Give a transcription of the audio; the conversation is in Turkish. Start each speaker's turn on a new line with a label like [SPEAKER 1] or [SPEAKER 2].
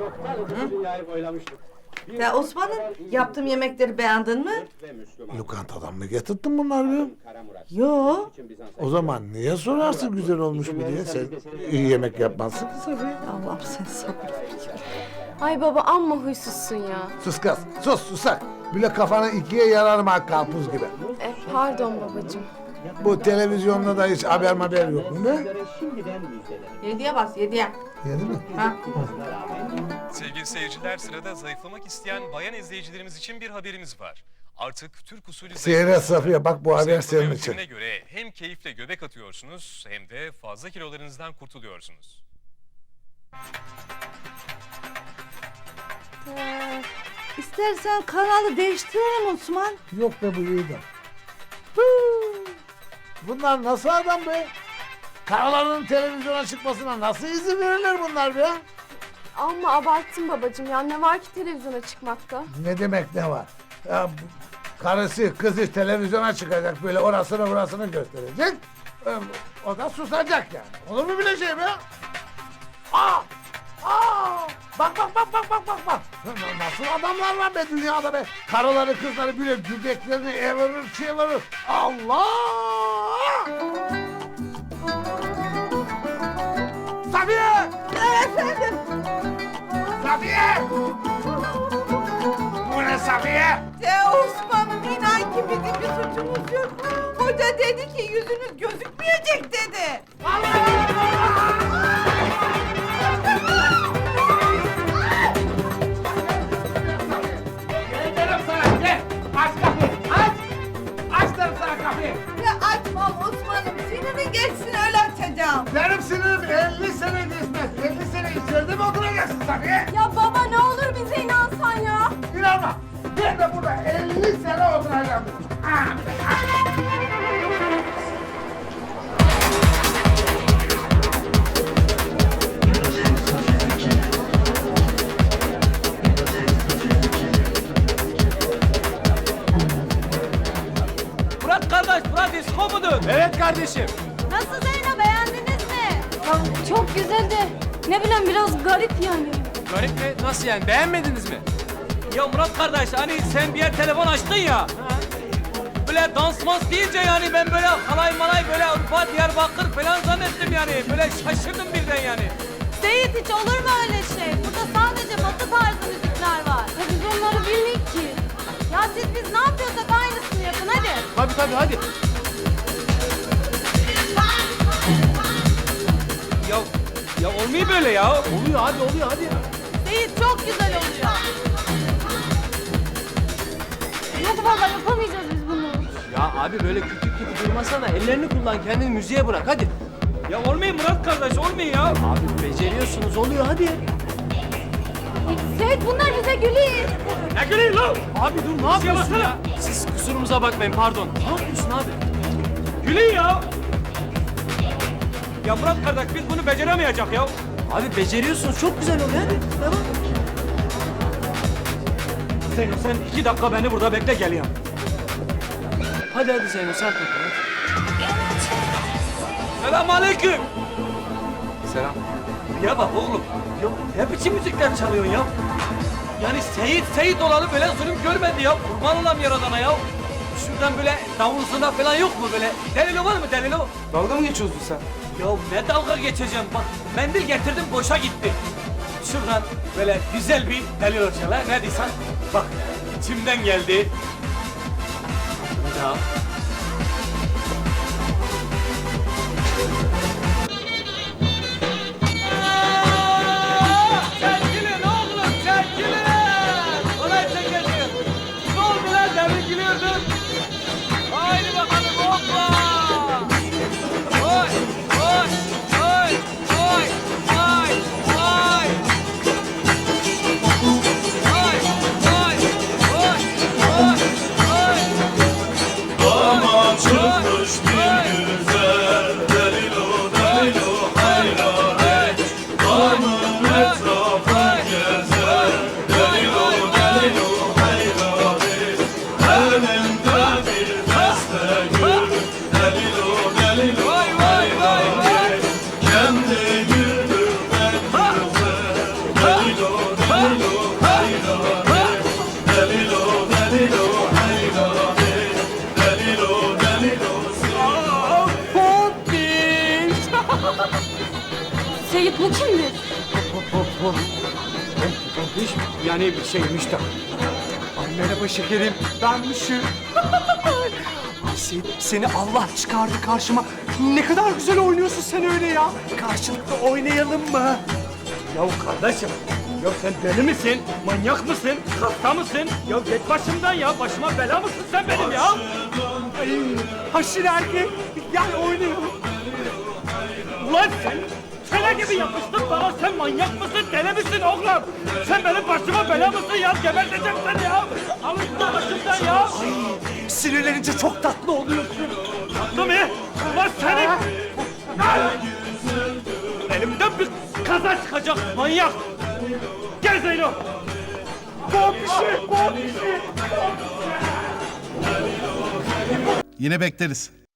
[SPEAKER 1] Ya Osman'ım, yaptığım yemekleri beğendin mi?
[SPEAKER 2] Lokantadan mı getirdin bunları be?
[SPEAKER 1] Yo.
[SPEAKER 2] O zaman niye sorarsın güzel olmuş mu diye? Sen iyi yemek yapmazsın ki tabii.
[SPEAKER 1] Allah'ım sen sabır ver.
[SPEAKER 3] Ay baba amma huysuzsun ya.
[SPEAKER 2] Sus kız, sus susak. Bile kafanı ikiye yararım ha karpuz gibi.
[SPEAKER 3] Pardon babacığım.
[SPEAKER 2] Bu televizyonda da hiç haber yok mu be?
[SPEAKER 1] 7'ye bas, 7'ye.
[SPEAKER 2] Yedi mi?
[SPEAKER 1] Ha?
[SPEAKER 4] Sevgili seyirciler, sırada zayıflamak isteyen bayan izleyicilerimiz için bir haberimiz var. Artık Türk usulü
[SPEAKER 2] Seyret Safiye, bak bu haber senin için.
[SPEAKER 4] yöntemine göre hem keyifle göbek atıyorsunuz hem de fazla kilolarınızdan kurtuluyorsunuz.
[SPEAKER 1] İstersen kanalı değiştirelim Osman.
[SPEAKER 2] Yok be bu iyiydi. Bunlar nasıl adam be? Karıların televizyona çıkmasına nasıl izin verirler bunlar be?
[SPEAKER 3] Amma abarttın babacığım ya. Ne var ki televizyona çıkmakta?
[SPEAKER 2] Ne demek ne var? Ya, karısı kızı televizyona çıkacak, böyle orasını burasını gösterecek. O da susacak yani. Olur mu bile şey be? Aa! Aa! Bak. Nasıl adamlar var be dünyada be? Karıları kızları bile göbeklerini evirir çevirir. Allah! Safiye!
[SPEAKER 1] Efendim?
[SPEAKER 2] Safiye! Bu ne Safiye?
[SPEAKER 1] Osman'ım, inan ki bizim bir suçumuz yok. Hoca dedi ki yüzünüz gözükmeyecek dedi. Ya açmam Osman'ım, sinirin geçsin öyle açacağım.
[SPEAKER 2] Benim sinirim 50 sene geçmez. 50 sene içeride mi oturacaksın Safiye?
[SPEAKER 3] Ya baba ne olur bize inansan ya.
[SPEAKER 2] İnanma. Ben de burada 50 sene oturacağım.
[SPEAKER 5] Murat kardeş, Murat disko mudur? Evet kardeşim.
[SPEAKER 3] Nasıl Zeyno, beğendiniz mi? Ya çok güzel de ne bileyim biraz garip yani.
[SPEAKER 5] Garip mi? Nasıl yani? Beğenmediniz mi? Ya Murat kardeş, hani sen bir yer telefon açtın ya. Böyle dans mans deyince yani ben böyle halay malay böyle Urfa, Diyarbakır falan zannettim yani. Böyle şaşırdım birden yani.
[SPEAKER 3] Seyit hiç olur mu öyle şey? Burada sadece batı tarzı müzikler var. Ya biz onları bilmiyoruz ki. Ya biz ne yapıyorsak aynısını yapın hadi.
[SPEAKER 5] Tabii hadi. Ya olmuyor böyle ya. Oluyor hadi.
[SPEAKER 3] Seyit çok güzel oluyor. Hadi baba yapamayacağız biz bunu.
[SPEAKER 5] Ya abi böyle küçük gibi durmasana. Ellerini kullan, kendini müziğe bırak hadi. Ya olmuyor Murat kardeş, olmuyor ya. Abi beceriyorsunuz, oluyor hadi.
[SPEAKER 3] Seyit bunlar bize gülüyor.
[SPEAKER 5] Ne gülüyor lan? Abi dur, ne yapıyorsun ya? Siz kusurumuza bakmayın, pardon. Ne yapıyorsun abi? Gülüyor ya. Ya Murat kardeş, biz bunu beceremeyecek ya. Abi beceriyorsunuz, çok güzel oluyor hadi. Tamam. Sen 2 dakika beni burada bekle, geliyorum. Hadi Zeyno, sen takıl hadi. Selamünaleyküm. Selam. Ya bak oğlum, ya ne biçim müzikler çalıyorsun ya? Yani Seyit olalı böyle zulüm görmedi ya. Kurban olam yaradana ya. Şuradan böyle davulsuna falan yok mu böyle? Delilo var mı delilo?
[SPEAKER 6] Dalga mı geçiyorsun sen?
[SPEAKER 5] Ya ne dalga geçeceğim bak. Mendil getirdim boşa gitti. Şuradan böyle güzel bir delilo çalar. Ne diysen? Bak içimden geldi. Ya. Çekilin oğlum çekilin. Olay çekilin. Ne oldu lan demin gülüyordun? Haydi bakalım hoppa. Oy oy oy oy oy oy. Oy oy oy oy oy.
[SPEAKER 7] Aman çıkmış bir güzel delilo delilo hayraret Kanın etrafa gezer delilo delilo hayraret Elinde bir deste gül delilo delilo hayraret Kendi gülür en güzel delilo delilo
[SPEAKER 3] Seyit bu kimdir?
[SPEAKER 6] Hiç yani şeymiş de. Ay merhaba şekerim, benmişim. Ay seni Allah çıkardı karşıma. Ne kadar güzel oynuyorsun sen öyle ya. Karşılıklı oynayalım mı?
[SPEAKER 5] Ya kardeşim, ya sen deli misin? Manyak mısın? Hasta mısın? Ya git başımdan ya. Başıma bela mısın sen benim ya?
[SPEAKER 6] Ay haşin erkek, gel oynayalım.
[SPEAKER 5] Ulan sen çene gibi yapıştın bana. Sen manyak mısın? Deli misin oğlum? Sen benim başıma bela mısın ya? Geberteceğim seni ya. Alın şunu başımdan ya.
[SPEAKER 6] Sinirlenince çok tatlı oluyorsun.
[SPEAKER 5] Tatlı mı? Ulan senin... Elimden bir kaza çıkacak manyak. Gel Zeyno.
[SPEAKER 6] Pompişi.
[SPEAKER 8] Yine bekleriz.